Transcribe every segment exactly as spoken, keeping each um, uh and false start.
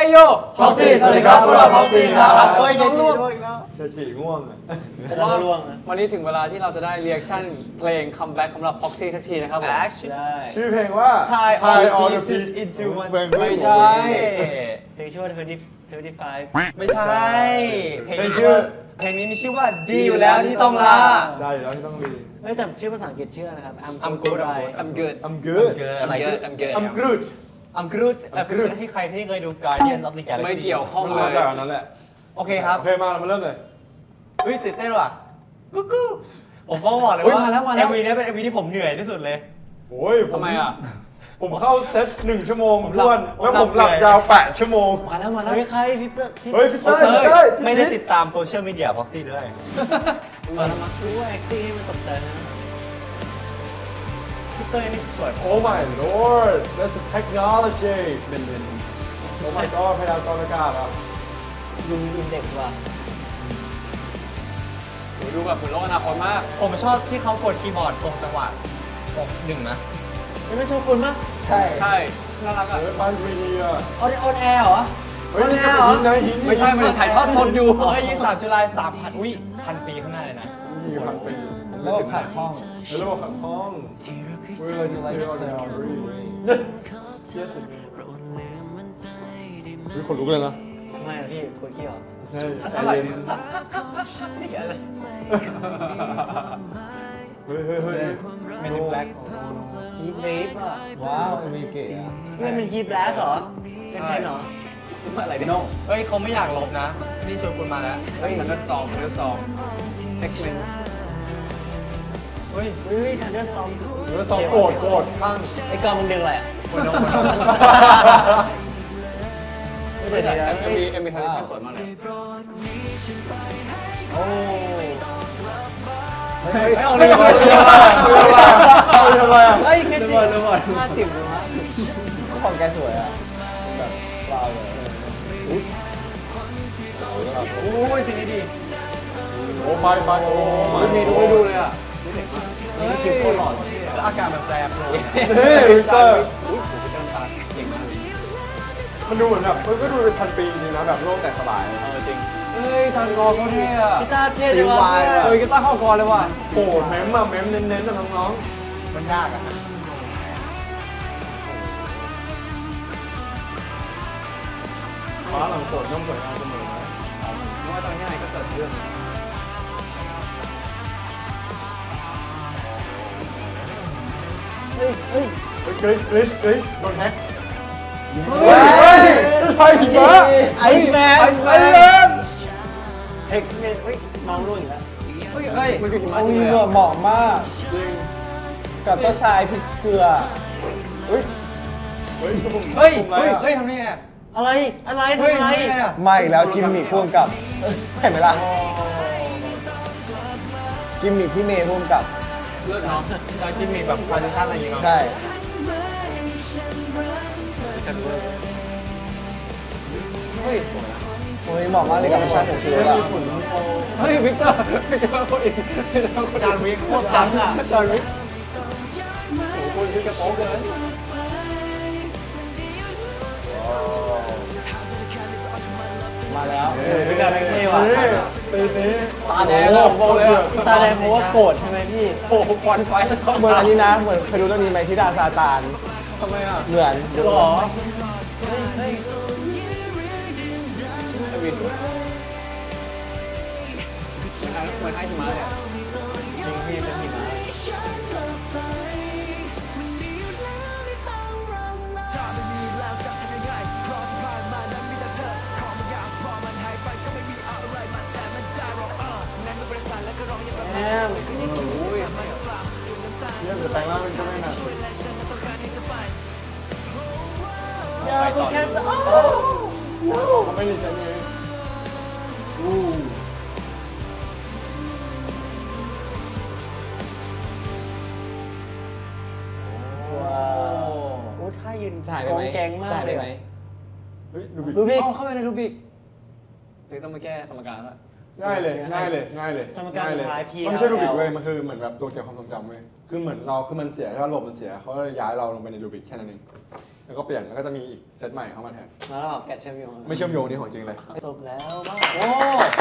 โยพ็อกซี่สวัสดีครับพวกเราพ็อกซี่ครับเฮ้ยเกจิด้วยแล้วเกจิง่วงอ่ะผมว่าวันนี้ถึงเวลาที่เราจะได้เรีแอคชั่นเพลงคัมแบ็กสำหรับพ็อกซี่สักทีนะครับผมชื่อเพลงว่า Tie all the pieces into one ไม่ใช่เพลงชื่อว่ายี่สิบ ยี่สิบห้าไม่ใช่เพลงชื่อเพลงนี้มีชื่อว่าดีอยู่แล้วที่ต้องลาได้อยู่แล้วที่ต้องรีเฮ้ยแต่ชื่อภาษาอังกฤษชื่อนะครับ I'm good I'm good I'm good I'm good I'm good I'm good I'm good แต่คือที่ใครที่เคยดู Guardians of the Galaxy ไม่เกี่ยวข้องเลมาย จากอันนั้นแหละโอเคครับโอเคมาเรามาเริ่มเลยเฮ้ยตื่นเต้นว่ะกุ๊กกุ๊กผมก็บอกเลยอุ๊ยว่ามาแล้วมาแล้วเอ็มวีนี้เป็น เอ็ม วีที่ผมเหนื่อยที่สุดเลยโอ้ยผทำไมอ่ะผมเข้าเซตหนึ่งชั่วโมงผมหลับท้วนผมแล้วหลับผมหลับเลยยาวแปดชั่วโมงมาแล้วมาแล้วเฮ้ยใครพี่เตอร์พี่เฮ้ยพี่เต้ยพี่เต้ยไม่ได้ติดตามโซเชียลมีเดียพ็อกซี่ด้วยมาแล้วมารู้ว่าแอคติ้งให้มันตกใจนะพี่เต้ยนี่สวยโอ้ my lord that's a technology เป็นเป็นโอ้ my god พยากรณ์อากาศอ่ะลุงอินเด็กซ์ว่ะดูแบบเหมือนโลกอนาคตมากผมชอบที่เขากดคีย์บอร์ดตรงจังหวะตรงหนึ่งนะไม่ไม่โชว์คุณปะใช่ใช่น่ารักอ่ะเฮ้ยปันทรีดีอ่ะออนออนแอร์เหรอเฮ้ยนี่ก็เป็นหินนะหินไม่ใช่มันถ่ายทอดสดอยู่เฮ้ยยี่สิบสามจุลายสามพันอุ้ยพันปีข้างหน้าเลยนะมีพันปีแล้วก็ขาดห้องแล้วเราขัดห้องเวลาจะไล่ออนแอร์รีเชี่ยสุดเฮ้ยขนลุกเลยนะไม่อะพี่คนขี้เหรอใช่อะไรเนี่ยเฮ้ยเฮ้ยเฮ้ยไม่ถึงแบล็คฮีทเวฟอ่ะว้าวเอ็มวีเก๋อะเฮ้ยมันฮีทแบลสเหรอเป็นไงเหรออะไรเนี่ยเฮ้ยเขาไม่อยากลบนะ นี่ชวนคุณมาแล้วเฮ้ย Thunderstorm Thunderstorm X-Men เฮ้ยเฮ้ยทันเดอร์สตอมแล้วสองโกรธโกรธข้างไอ้กองมึงดึงอะไรอ่ะคนน้องคนน้องไม่ได้เอ็มวีเอ็มวีทันเดอร์สวยมากเลยโอ้เฮ้ยไม่เอาเอาเลเลย ยเอาทำไมอ่ะเฮ้ยแค่จริงห้าติ่มเลยวะของแกสวยอ่ะแบบว้าวเลยโอ้ยสิ่งนี้ดีโอ้ไปไปโอ้ไม่มีดูไม่ดูเลยอ่ะนี่คลิปโคตรหล่อแล้วอาการแบบแปรปรวนเฮ้ยวิกเตอร์อุ้ยผมเป็นตาเก่งมากมันดูเหมือนแบบมันก็ดูเป็นพันปีจริงนะแบบโลกแตกสลายเออจริงเฮ้ยทันกอเขาเท่อะกีตาร์เท่เลยวะเฮ้ยกีตาร์เข้ากอเลยว่ะโอ้เมมอะเมมเน้นๆนะน้องมันยากอ่ะๆฟ้าหลังฝนย่อมสวยงามเสมอนะไม่ว่าตอนนี้ไหนก็เกิดเรื่องเฮ้ยเฮ้ยเฮ้ยกริชกริชกริชโดนแฮกเฮ้เฮ้ยยจะใช่หิมะไอซ์แมนไอซ์แมนเอ็กซ์แมนเฮ้ยน้องรุ่นแล้วเฮ้ยเฮ้ยมันคือหิมะโอ้จริยงเลยเหมาะมากจริงกับเจ้าชายพริกเกลือเฮ้ยเฮ้ยผมเฮ้ยผมอะไรเฮ้ยอะเฮ้ยทำนี่ไงอะไรอะไรเฮ้ยทำอะไรทำนี่ไงอะไม่แล้วกิมมิคพ่วงกับเห็นไหมล่ะกิมมิคพี่เมย์พ่วงกับเลิศเนาะแล้วกิมมิคแบบพาร์ติชันอะไรอย่างเงี้ยเนาะใช่เฮ้ยสวยนะโอ้ยเหมาะมากเลยกับพาร์ติชันของชีวิตเฮ้ยอะมีฝุ่นโอ้เฮ้ยวิกเตอร์วิกเตอร์คนอีกจานวิกโคตรจังอ่ะจานวิกโอ้โหคนวิกกระโปงเกินมาแล้วเฮ้ยเป็นการเท่ว่ะเฮ้ยซีนี้ตาแดงอะผมบอกเลยอะตาแดงเพราะว่าโกรธใช่ไหมพี่โอ้โหควันไฟแล้วก็เหมือนอันนี้นะเหมือนเคยดูเรื่องนี้ไหมที่ดาซาตานทำไมอ่ะเหมือนหรอเฮ้ยเฮ้ยไอวินเหมือนเหมือนไอหิมะเลยอะจริงพี่เป็นหิมะ แอมโอ้ยเนี่ยเดี๋ยวแต่งร่างเป็นเจ้าแม่นางอย่าไปแค่โอ้เขาไม่ได้ใช้เองว้าวโอ้ท่ายืนกองแกงมากเลยเฮ้ยดูบิดูพี่เอาเข้าไปในรูบิกหรือต้องมาแก้สมการละง่ายเลยง่ายเลยง่ายเลยสมการง่ายเลยสุดท้าย P มันไม่ใช่รูบิกเว้ยมันคือเหมือนแบบตัวเก็บความทรงจำเว้ยคือเหมือนเราคือมันเสียใช่ป่ะระบบมันเสียเขาเลยย้ายเราลงไปในรูบิกแค่นั้นเองแล้วก็เปลี่ยนแล้วก็จะมีอีกเซตใหม่เข้ามาแทนแล้วเราแกะเชื่อมโยงไม่เชื่อมโยงนี่ของจริงเลยจบแล้วบ้างโอ้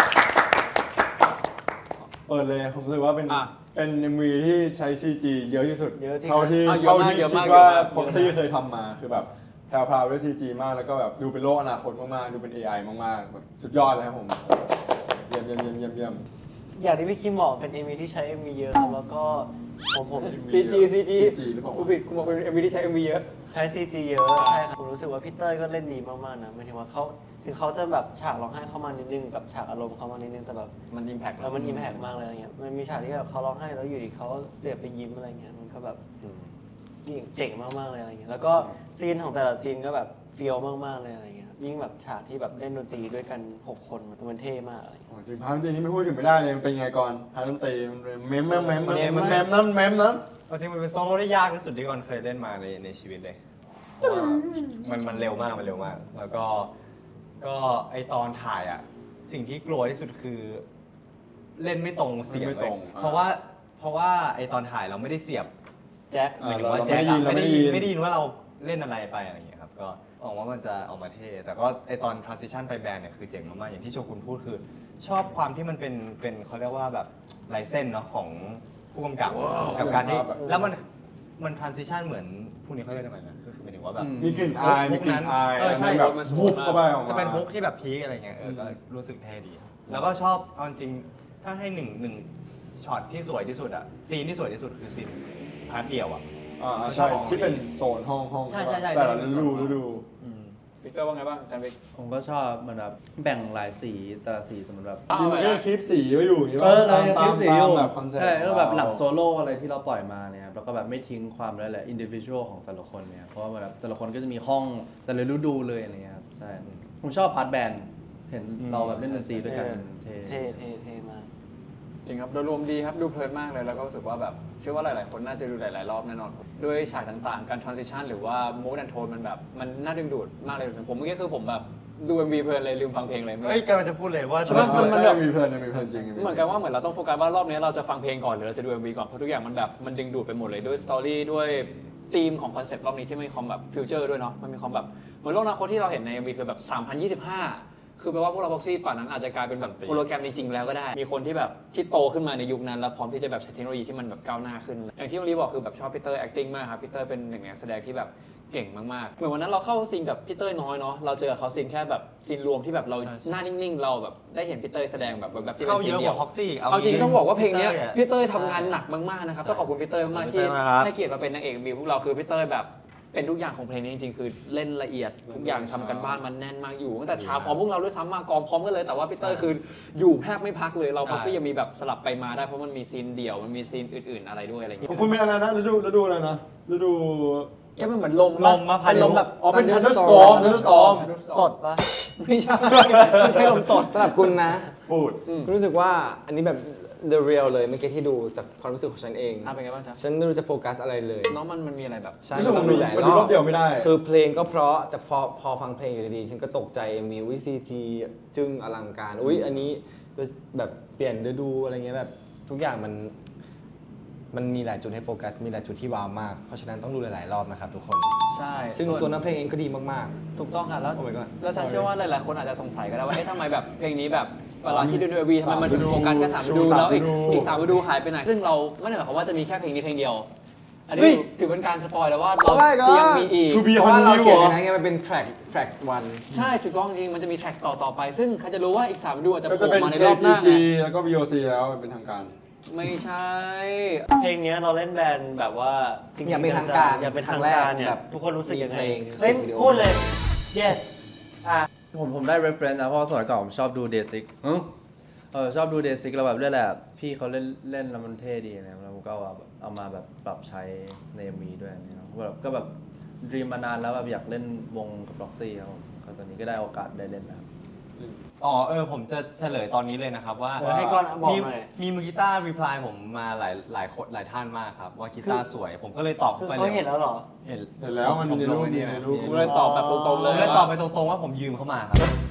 เปิดเลยผมรู้สึกว่าเป็นอ่ะเป็น เอ็ม วี ที่ใช้ ซี จี เยอะที่สุดเยอะจริงเท่าที่อ่ะเยอะเท่ามากที่เยอะคิมาดกว่าเยอะมากพ็อกซี่เคยทำมาคือแบบแพรวๆด้วย ซี จี มากแล้วก็แบบดูเป็นโลกอนาคตมากๆดูเป็น เอ ไอ มากๆแบบสุดยอดเลยครับผมเยี่ยมเยี่ยมเยี่ยมเยี่ยมเยี่ยมอย่างที่พี่คิมบอกเป็น เอ็ม วี ที่ใช้ เอ็ม วี เยอะครับแล้วก็ผมผมซีจีซีจีซี จี หรือเปล่ากูผิดกูบอกเป็นเอ็มวีที่ใช้เอ็มวีเยอะใช้ ซี จี เยอะใช่ครับผมรู้สึกว่าพี่เต้ยก็เล่นดีมากๆนะหมายถึงว่าเขาถึงเขาจะแบบฉากร้องไห้เข้ามานิดนึงกับฉากอารมณ์เข้ามานิดนึงแต่แบบมันอิมแพกแล้วมันอิมแพกมากเลยอะไรเงี้ยมันมีฉากที่แบบเขาร้องไห้แล้วอยู่ดีเขาเดือดไปยิ้มอะไรเงี้ยมันก็แบบยิ่งเจ๋งมากๆเลยอะไรเงี้ยแล้วก็ซีนของแต่ละซีนก็แบบเฟี้ยวมากๆเลยอะไรเงี้ยยิ่งแบบฉากที่แบบเล่นดนตรีด้วยกันหกคนมันเท่มากอะไรเงี้ยโอ้จริงพาร์ทดนตรีนี้ไม่พูดถึงไม่ได้เลยมันเป็นไงก่อนพาร์ทดนตรีมันเมมเมมเมมเมมมันเมมนั้นเมมนั้นจริงมันเป็นโซโล่ที่ยากที่สุดที่ก่อนเคยเล่นมาในในชีวิตเลยเพราะว่ามันมันเร็วมากมันเร็วมาก แล้วก็ก็ไอตอนถ่ายอ่ะสิ่งที่กลัวที่สุดคือเล่นไม่ตรงเสียงไม่เลตรยงเพราะว่าเพราะว่าไอตอนถ่ายเราไม่ได้เสียบแจ็คหมายถึงว่าเราแจ็คอะเราไม่ไม่ได้ได้ยิยินนไม่ได้ยินว่าเราเล่นอะไรไปอะไรอย่างเงี้ยครับก็หวังว่ามันจะออกมาเท่แต่ก็ไอตอน transition ไปแบรนด์เนี่ยคือเจ๋งมากๆอย่างที่โชกุนพูดคือ ชอบความที่มันเป็นเป็นเขาเรียกว่าแบบลายเส้นเนาะของผู้กำกับกับการที่แล้วมันมัน transition เหมือนพวกนี้เขาเรียกอะไรนะก็คือหมายถึงว่าแบบมีกลิ่นอายมีกลิ่นอายเออใช่แบบวุบเข้าไปออกมาจะเป็นฮุกที่แบบพีคอะไรเงี้ยเออก็รู้สึกเท่ดี แล้วก็ชอบเอาจริงถ้าให้หนึ่งหนึ่งช็อตที่สวยที่สุดอะซีนที่สวยที่สุดคือซีนพาร์ทเดียวอะอ่าใช่ที่เป็นโซนห้องห้องใช่ใช่ใช่แต่ละฤดูฤดูวิกเตอร์ว่าไงบ้างจันวิกผมก็ชอบเหมือนแบบแบ่งหลายสีแต่ละสีแต่มันแบบนี่มันก็คลิปสีไว้อยู่อย่างงี้เอป่ะอเราตามยังคลิตามปสีอยู่แบบคอนเซ็ปต์ใช่แล้วแบบหลังโซโล่อะไรที่เราปล่อยมาเนี่ยครับแล้วก็แบบไม่ทิ้งความแล้วแหละอินดิวิชวลของแต่ละคนเนี่ยเพราะว่าแบบแต่ละคนก็จะมีห้องแต่ละฤดูเลยอะไรเงี้ยครับใช่ผมชอบพาร์ทแบนด์เห็นเราแบบเล่นดนตรีด้วยกันเท่เท่เท่เท่มากจริงครับโดยรวมดีครับดูเพลินมากเลยแล้วก็รู้สึกว่าแบบเชื่อว่าหลาย ๆ คนน่าจะดูหลาย ๆ รอบแน่นอนด้วยฉากต่าง ๆ การ transition หรือว่า mood and tone มันแบบมันน่าดึงดูดมากเลยผมเมื่อกี้คือผมแบบดู เอ็ม วี เพลินเลยลืมฟังเพลงเลยเฮ้ยกำลังจะพูดเลยว่าใช่ไหมมันมันแบบมีเพลินมีเพลินจริงเหมือนกันว่าเหมือนเราต้องโฟกัสว่ารอบนี้เราจะฟังเพลงก่อนหรือเราจะดู เอ็ม วี ก่อนเพราะทุกอย่างมันแบบมันดึงดูดไปหมดเลยด้วยสตอรี่ด้วยธีมของคอนเซ็ปต์รอบนี้ที่มีความแบบฟิวเจอร์ด้วยเนาะมันมีความแบบเหมือนโลกอนาคตที่เราเห็นใน เอ็ม วี คือแบบสามพันยี่สิบห้าคือแปลว่าพวกเราบ็อกซี่ป่านนั้นอาจจะกลายเป็นแบบโฮโลแกรมจริงๆแล้วก็ได้มีคนที่แบบที่โตขึ้นมาในยุคนั้นแล้วพร้อมที่จะแบบใช้เทคโนโลยีที่มันแบบก้าวหน้าขึ้นอย่างที่วลีบอกคือแบบชอบพีเตอร์ acting มากครับพีเตอร์เป็นหนึ่งในนักแสดงที่แบบเก่งมากๆเหมือนวันนั้นเราเข้าซีนกับพีเตอร์น้อยเนาะเราเจอเขาซีนแค่แบบซีนรวมที่แบบเราหน้านิ่งๆเราแบบได้เห็นพีเตอร์แสดงแบบแบบที่เป็เข้านซีเยนอะเดีกยวว่าพ็อกซี่เอาจริงต้องบอกว่าเพลงเนี้ยพี่พีเตอร์ทำงานหนักมากๆนะครับต้องขอบคุณพีเตอร์มากที่ให้เกียรติมาเป็นนางเอกมีพวกเราคือพีเตอร์แบบเป็นทุกอย่างของเพลงนี้จริงๆคือเล่นละเอียดทุกอย่างทำกันบ้านมันแน่นมากอยู่ตั้งแต่เช้าพร้อมพวกเราด้วยซ้ำมากองพร้อมกันเลยแต่ว่าพีเตอร์คืออยู่แทบไม่พักเลยเราพักที่ยังมีแบบสลับไปมาได้เพราะมันมีซีนเดี่ยวมันมีซีนอื่นๆอะไรด้วยอะไรอย่างเงี้ยของคุณเป็นอะไรนะฤดูฤดูอะไรนะฤดูแค่มันเหมือนลมลมมาพาเป็นยุลมแบบอ๋อเป็น thunderstorm thunderstorm ตดปะไม่ใช่ไม่ใช่ลมตดสำหรับคุณนะพูดรู้สึกว่าอันนี้แบบ the real เลยเมื่อกี้ที่ดูจากความรู้สึกของฉันเองอ่ะเป็นไงบ้างจ๊ะฉันไม่รู้จะโฟกัสอะไรเลยน้องมันมันมีอะไรแบบใช่รู้สึกต้องดูหลายมันรดูอรบอบเดียวไม่ได้คือเพลงก็เพราะแต่พอพอฟังเพลงอยู่ดีๆฉันก็ตกใจมีวิซีจีจึ้งอลังการอุ้ยอันนี้แบบเปลี่ยนฤดูอะไรเงี้ยแบบทุกอย่างมันมันมีหลายจุดให้โฟกัสมีหลายจุดที่ว้าวมากเพราะฉะนั้นต้องดูหลายๆรอบนะครับทุกคนใช่ซึ่งส่ตัวเนื้อเพลงเองก็ดีมากถูกต้องค่ะแล้ว Oh my god แล้วฉันเชื่อว่าหลายๆคนอาจจะสงสัยก็ได้ว่าเอ๊ะทำไมแบบเพลงนี้แบบเวลาที่ดูในวีทำไมมันถึงโฟกัสแค่สามฤดูแล้วอีกอีกสามฤดูหายไปไหนซึ่งเราไม่ได้หมายความว่าจะมีแค่เพลงนี้เพลงเดียว อันนี้ถือเป็นการสปอยแล้วว่าเราจะยังมีอีก To ๆ be เพราะว่าเรา continued เขียนเหรอในนั้นไงมันเป็น track track one ใช่ถูกต้องจริงมันจะมีแทร็กต่อต่อไป ซึ่งใครจะรู้ว่าอีกสามฤดูอาจจะก็โผจะล่เป็นมาในเครอบหจีน้าจีไงแล้วก็ วี โอ ซี แล้วเป็นทางการไม่ใช่เพลงเนี้ยเราเล่นแบนด์แบบว่าจริๆอย่าเป็นทางการอย่าเป็นทางครั้งแรกการเนี่ยแบบทุกคนรู้สึกยังไงมีเพลงเฮ้ยมิวสิกวิดีโอพูดเลย yes อ่ะผมผมได้ reference นะเพราะว่าสมัยก่อนผมชอบดู Day Six อืมเออชอบดู Day Six แล้วแบบเรื่องแหละพี่เขาเล่นเล่นแล้วมันเท่ดีนะแล้วผมก็เอาแบบเอามาแบบปรับใช้ใน เอ็ม วี ด้วยเนี่ยแบบก็แบบดีมมานานแล้วแบบอยากเล่นวงกับ Roxy ครับผมก็ตอนนี้ก็ได้โอกาสได้เล่นแล้วอ๋อเออผมจะเฉลยตอนนี้เลยนะครับว่าเออให้ก่อนบอกมีหน่อยมีมือกีตาร์รีプライผมมาหลายหลายคนหลายท่านมากครับว่ากีตาร์สวยผมก็เลยตอบคือไปเขาเห็นแล้วเหรอเห็นเห็นแล้วมันผมในลรูงปไอ้มีนี่ในนะรูปกูเลยตอบแบบตรงๆผเลยมเลยตอบไปตรงๆว่าผมยืมเขามาครับ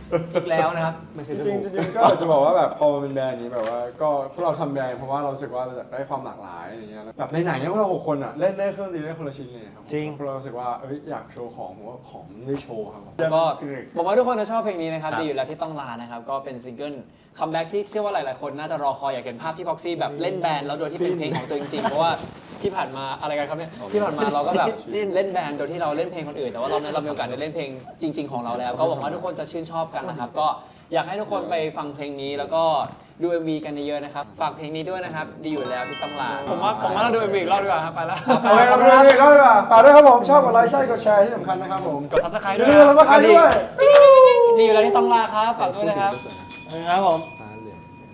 อีกแล้วนะครับจริงๆจริงๆก็อยากจะบอกว่าแบบพอมันเป็นแบรนด์นี้แบบว่าก็พวกเราทำแบรนด์เพราะว่าเรารู้สึกว่าเราอยากได้ความหลากหลายอะไรเงี้ยแบบในไหนๆเนี่ยพวกเราหกคนอ่ะเล่นได้เครื่องดนตรีได้คนละชิ้นเลยครับจริงพวกเรารู้สึกว่าเอ้ยอยากโชว์ของผมว่าของมันได้โชว์ครับก็ผมว่าทุกคนจะชอบเพลงนี้นะครับดีอยู่แล้วที่ต้องลานะครับก็เป็นซิงเกิลคัมแบ็กที่เชื่อว่าหลายๆคนน่าจะรอคอยอยากเห็นภาพที่พ็อกซี่แบบเล่นแบนด์แล้วโดยที่เป็นเพลงของตัวจริงๆเพราะว่าที่ผ่านมาอะไรกันครับเนี่ยที่ผ่านมาเราก็แบบเล่นแบนด์โดยที่เราเล่นเพลงคนอื่นแต่ว่ารอบนี้เรามีโอกาสได้เล่นเพลงจริง ๆของเราแล้วก็หวังว่าทุกคนจะชื่นชอบกันนะครับก็อยากให้ทุกคนไปฟังเพลงนี้แล้วก็ดู เอ็ม วี กันเยอะๆนะครับฝากเพลงนี้ด้วยนะครับดีอยู่แล้วที่ต้องลาผมว่าผมว่าเราดู เอ็ม วี อีกรอบดีกว่าครับไปแล้วเอาไปเราไปดูอีกรอบดีกว่าฝากด้วยครับผมชอบกดไลค์ใช่กดแชร์ที่สำคัญนะครับผมกด ซับสไครบ์อด้วย่าย ลืมกดซับสไครบ์ด้วยดีอยู่แล้วที่ต้องลาครับฝากด้วยนะครับครับผม